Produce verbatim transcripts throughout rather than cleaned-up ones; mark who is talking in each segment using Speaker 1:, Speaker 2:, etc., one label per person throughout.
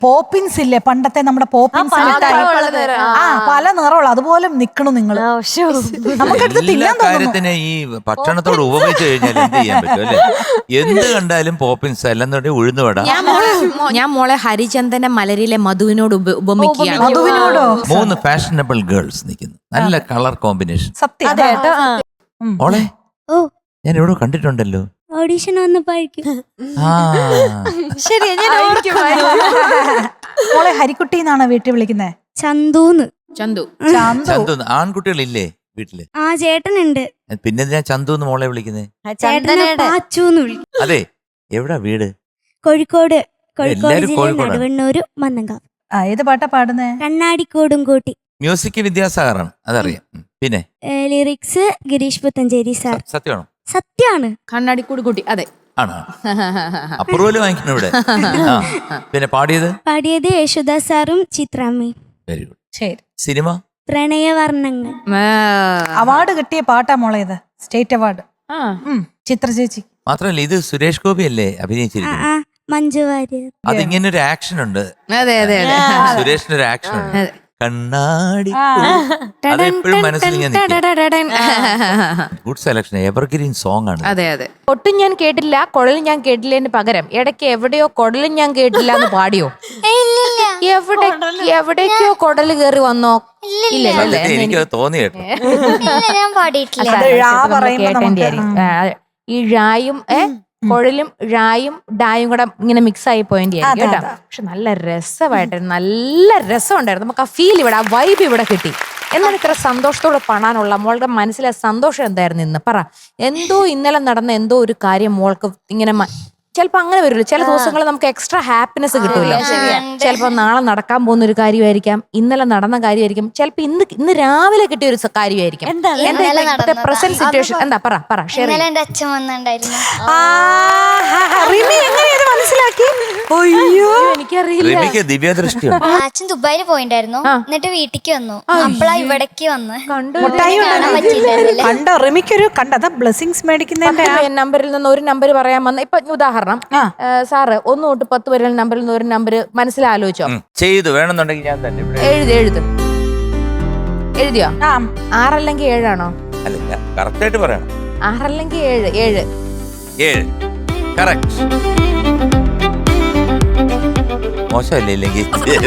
Speaker 1: Poppins ഇല്ലേ പണ്ടത്തെ നമ്മുടെ പോപ്പിൻസ് ആ പല നിറമുള്ള അതുപോലെ നിക്കണം നിങ്ങൾ. നമുക്കെടുത്ത് തിന്നാൻ
Speaker 2: കാര്യത്തിന് ഈ ഭക്ഷണത്തോട് ഉപമിച്ച് കഴിഞ്ഞാൽ എന്ത് ചെയ്യാൻ പറ്റും അല്ലേ? എന്ത് കണ്ടാലും പോപ്പിൻസ് അല്ലെന്നുണ്ടെങ്കിൽ ഉഴുന്നുവട.
Speaker 3: ഞാൻ മോളെ ഹരിചന്ദന മലരിലെ മധുവിനോട് ഉപമിക്കുകയാണ്.
Speaker 1: മധുവിനോടോ?
Speaker 2: മൂന്ന് ഫാഷനബിൾ ഗേൾസ് നിൽക്കുന്നു, നല്ല കളർ കോമ്പിനേഷൻ.
Speaker 1: സത്യം.
Speaker 2: മോളെ ഞാൻ എവിടെ കണ്ടിട്ടുണ്ടല്ലോ.
Speaker 4: ഓഡീഷൻ വന്നപ്പോഴേക്കും.
Speaker 3: ശരി,
Speaker 1: മോളെ ഹരിക്കുട്ടി എന്നാണ് വീട്ടിൽ വിളിക്കുന്നത്.
Speaker 4: ചന്തുന്ന്.
Speaker 3: ചന്തു.
Speaker 2: ചന്തു. ആൺകുട്ടികളില്ലേ വീട്ടില്?
Speaker 4: ആ ചേട്ടനുണ്ട്.
Speaker 2: പിന്നെ ഞാൻ ചന്തു എന്ന് മോളെ വിളിക്കുന്നേ.
Speaker 4: ചേട്ടനെ പാച്ചുന്ന് വിളിക്കും.
Speaker 2: അതെ, എവിടാ വീട്?
Speaker 4: കോഴിക്കോട്. കോഴിക്കോട്
Speaker 2: എല്ലാരും
Speaker 4: ജില്ല
Speaker 2: കോഴിക്കോടാണ്.
Speaker 4: നടുവണ്ണൂര് മന്നങ്കാവ്.
Speaker 1: ആ ഏത് പാട്ടാ പാടുന്നേ?
Speaker 4: കണ്ണാടിക്കോടും കൂട്ടി.
Speaker 2: മ്യൂസിക് വിദ്യാസാഗറാണ്, അതറിയാം. പിന്നെ
Speaker 4: ലിറിക്സ് ഗിരീഷ് പുത്തഞ്ചേരി സാർ.
Speaker 2: സത്യമാണോ?
Speaker 4: സത്യാണ്.
Speaker 3: കണ്ണാടിക്കൂടി കൂട്ടി. അതെ,
Speaker 2: ആണോ? അപ്രൂവല് വാങ്ങിക്കണം ഇവിടെ. പിന്നെ പാടിയത്
Speaker 4: പാടിയത് യേശുദാസ് സാറും ചിത്രാമ്മയും.
Speaker 2: Very good.
Speaker 1: ശരി.
Speaker 2: സിനിമ
Speaker 4: പ്രണയവർണ്ണങ്ങൾ.
Speaker 1: അവാർഡ് കിട്ടിയ പാട്ടാ മോളെ ഇത്, സ്റ്റേറ്റ് അവാർഡ്. ചിത്ര ചേച്ചി
Speaker 2: മാത്രമല്ല ഇത് സുരേഷ് ഗോപി അല്ലേ
Speaker 4: ആ
Speaker 2: അഭിനയിച്ചിരിക്കുന്നത്?
Speaker 4: ആ മഞ്ജു വാര്യർ.
Speaker 2: അതിങ്ങനെ ഒരു ആക്ഷൻ ഉണ്ട്.
Speaker 3: അതെ അതെ അതെ.
Speaker 2: സുരേഷിന് ഒരു ആക്ഷൻ ഉണ്ട്. കണ്ണാടി അതെപ്പോഴും മനസ്സിൽ ഇങ്ങനെ ഗുഡ് സെലക്ഷൻ, എവർഗ്രീൻ സോങ് ആണ്.
Speaker 3: അതെ അതെ. ഒട്ടും ഞാൻ കേട്ടില്ല, കുഴലും ഞാൻ കേട്ടില്ലതിന് പകരം ഇടയ്ക്ക് എവിടെയോ കുടലും ഞാൻ കേട്ടില്ല എന്ന് പാടിയോ? എവിടെ എവിടേക്കോ കുടല് കേറി വന്നോ? ഇല്ലല്ലേ?
Speaker 2: എനിക്ക് തോന്നി കേട്ടോ.
Speaker 4: ഞാൻ പാടിയിട്ടില്ല.
Speaker 3: ഈ ഴായും ഏ കുഴലും ഴായും ഡായും കൂടെ ഇങ്ങനെ മിക്സ് ആയി പോയിന്റ് ആയിരിക്കും കേട്ടോ. പക്ഷെ നല്ല രസമായിട്ടായിരുന്നു, നല്ല രസമുണ്ടായിരുന്നു. നമുക്ക് ആ ഫീൽ ഇവിടെ, ആ വൈബ് ഇവിടെ കിട്ടി. എന്നാൽ ഇത്ര സന്തോഷത്തോടെ കാണാനുള്ള മോളുടെ മനസ്സിലെ സന്തോഷം എന്തായിരുന്നു ഇന്ന്? പറ. എന്തോ ഇന്നലെ നടന്ന എന്തോ ഒരു കാര്യം മോൾക്ക് ഇങ്ങനെ ചിലപ്പോ അങ്ങനെ വരുമല്ലോ. ചില ദിവസങ്ങളിൽ നമുക്ക് എക്സ്ട്രാ ഹാപ്പിനെസ് കിട്ടൂല. ചിലപ്പോ നാളെ നടക്കാൻ പോകുന്ന ഒരു കാര്യമായിരിക്കാം, ഇന്നലെ നടന്ന കാര്യമായിരിക്കും, ചിലപ്പോ ഇന്ന് ഇന്ന് രാവിലെ കിട്ടിയ ഒരു കാര്യമായിരിക്കും. എന്താ പ്രസന്റ് സിറ്റുവേഷൻ? എന്താ പറ പറ ഷെയർ.
Speaker 4: എന്റെ അച്ഛൻ വന്നിട്ടുണ്ടായിരുന്നു.
Speaker 1: മനസ്സിലാക്കി?
Speaker 3: എനിക്കറിയില്ല.
Speaker 2: ദിവ്യദൃഷ്ടിയാണ്.
Speaker 4: അച്ഛൻ ദുബായിൽ പോയിണ്ടായിരുന്നു, എന്നിട്ട് വീട്ടിക്ക് വന്നു. അപ്പളാ ഇവിടേക്ക് വന്ന്
Speaker 1: കണ്ടോ റിമിക്കൊരു കണ്ടത് ബ്ലെസ്സിങ്സ് മേടിക്കുന്നതിന്റെ
Speaker 3: നമ്പറിൽ നിന്ന് ഒരു നമ്പർ പറയാൻ വന്ന. ഇപ്പൊ ഉദാഹരണം സാറ് ഒന്ന് തൊട്ട് പത്ത് വരെ നമ്പറിൽ നിന്ന് ഒരു നമ്പർ മനസ്സിലാലോചിച്ചോ?
Speaker 2: ചെയ്തു വേണമെന്നുണ്ടെങ്കിൽ ഞാൻ തന്നെ
Speaker 3: എഴുതി എഴുത് എഴുതിയോ? ആറല്ലെങ്കിൽ ഏഴാണോ?
Speaker 2: അല്ല, കറക്റ്റ് ആയിട്ട് പറയണം.
Speaker 3: ആറല്ലെങ്കിൽ ഏഴ്. ഏഴ്
Speaker 2: ഏഴ് കറക്റ്റ്. മോശമല്ലേ? ഇല്ലെങ്കിൽ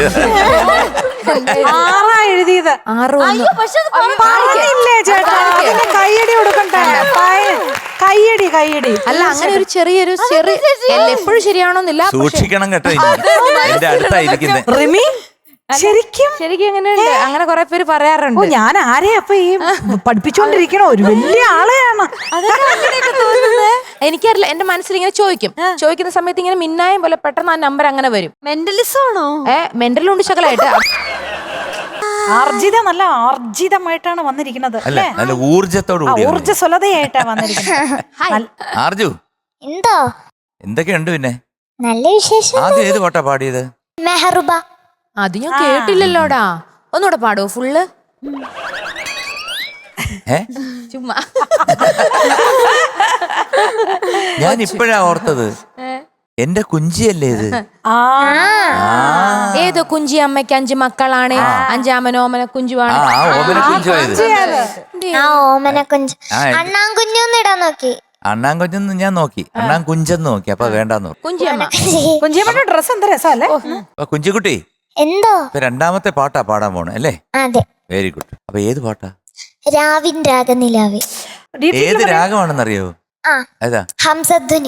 Speaker 1: ആറാ എഴുതിയത്.
Speaker 3: ആറ്
Speaker 1: പറഞ്ഞില്ലേ ചേട്ടാ? കയ്യടി കൊടുക്കണ്ടേ? കയ്യടി കയ്യടി.
Speaker 3: അല്ല, അങ്ങനെ ഒരു ചെറിയൊരു ചെറിയ എപ്പോഴും ശരിയാണോന്നില്ല.
Speaker 2: സൂക്ഷിക്കണം കേട്ടോ. എന്റെ അടുത്തായിരിക്കുന്നത്
Speaker 1: റിമി ശരിക്കും
Speaker 3: ശരിക്കും എങ്ങനെയുണ്ട്? അങ്ങനെ കുറെ പേര് പറയാറുണ്ട്.
Speaker 1: ഞാൻ ആരെയാ അപ്പൊ ഈ പഠിപ്പിച്ചോണ്ടിരിക്കണ? ഒരു വലിയ ആളെയാണ്.
Speaker 3: എനിക്കറിയില്ല, എന്റെ മനസ്സിൽ ഇങ്ങനെ ചോദിക്കും. ചോദിക്കുന്ന സമയത്ത് ഇങ്ങനെ മിന്നായം പോലെ പെട്ടെന്ന് ആ നമ്പർ അങ്ങനെ വരും.
Speaker 1: മെന്റലിസം ആണോ?
Speaker 3: ഏ മെന്റലുണ്ട് ശകലായിട്ട്.
Speaker 1: ആർജിത നല്ല ആർജിതമായിട്ടാണ് വന്നിരിക്കുന്നത്.
Speaker 2: അല്ല, നല്ല ഊർജത്തോട്
Speaker 1: ഊർജ്ജസ്വലതയായിട്ടാ വന്നിരിക്കുന്നത്.
Speaker 2: ആർജു
Speaker 4: എന്തോ
Speaker 2: എന്തൊക്കെയുണ്ട്? പിന്നെ
Speaker 4: നല്ല വിശേഷം.
Speaker 2: ആദ്യം ഏത് പാട്ടാ പാടിയത്?
Speaker 4: മെഹറുബ.
Speaker 3: അത് ഞാൻ കേട്ടില്ലല്ലോടാ. ഒന്നുകൂടെ പാടുവോ ഫുള്ള്?
Speaker 2: ഏ
Speaker 3: ചുമ്മാ
Speaker 2: ഞാൻ ഇപ്പോഴാ ഓർത്തത്. എന്റെ കുഞ്ചിയല്ലേ ഇത്?
Speaker 3: ഏതോ കുഞ്ചി അമ്മയ്ക്ക് അഞ്ച് മക്കളാണ്, അഞ്ചാമന ഓമന കുഞ്ചുവാണ്.
Speaker 2: ഓമന കുഞ്ചുവായത്.
Speaker 4: ഓമന കുഞ്ച്. അണ്ണാൻ കുഞ്ഞൊന്നും ഇടാൻ നോക്കി.
Speaker 2: അണ്ണാൻ കുഞ്ഞെന്ന് ഞാൻ നോക്കി, അണ്ണാൻ കുഞ്ചെന്ന് നോക്കി. അപ്പൊ വേണ്ടാന്ന് നോക്കി.
Speaker 3: കുഞ്ചിയമ്മ.
Speaker 1: കുഞ്ചിയമ്മയുടെ ഡ്രസ് എന്താ രസമല്ലേ?
Speaker 2: കുഞ്ചിക്കുട്ടി
Speaker 4: എന്തോ
Speaker 2: രണ്ടാമത്തെ പാട്ടാ പാടാൻ പോണേ അല്ലേ?
Speaker 4: അതെ.
Speaker 2: Very good. അപ്പൊ ഏത് പാട്ടാ?
Speaker 4: രാവിൻ രാഗനിലാവേ.
Speaker 2: ഏത് രാഗമാണെന്നറിയോ? ഏതാ?
Speaker 4: ഹംസധ്വനി.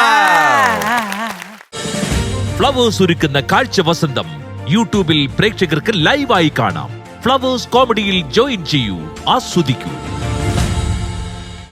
Speaker 5: ഫ്ലവേഴ്സ് ഒരുക്കുന്ന കാഴ്ച വസന്തം യൂട്യൂബിൽ പ്രേക്ഷകർക്ക് ലൈവായി കാണാം. ഫ്ലവേഴ്സ് കോമഡിയിൽ ജോയിൻ ചെയ്യൂ, ആസ്വദിക്കൂ.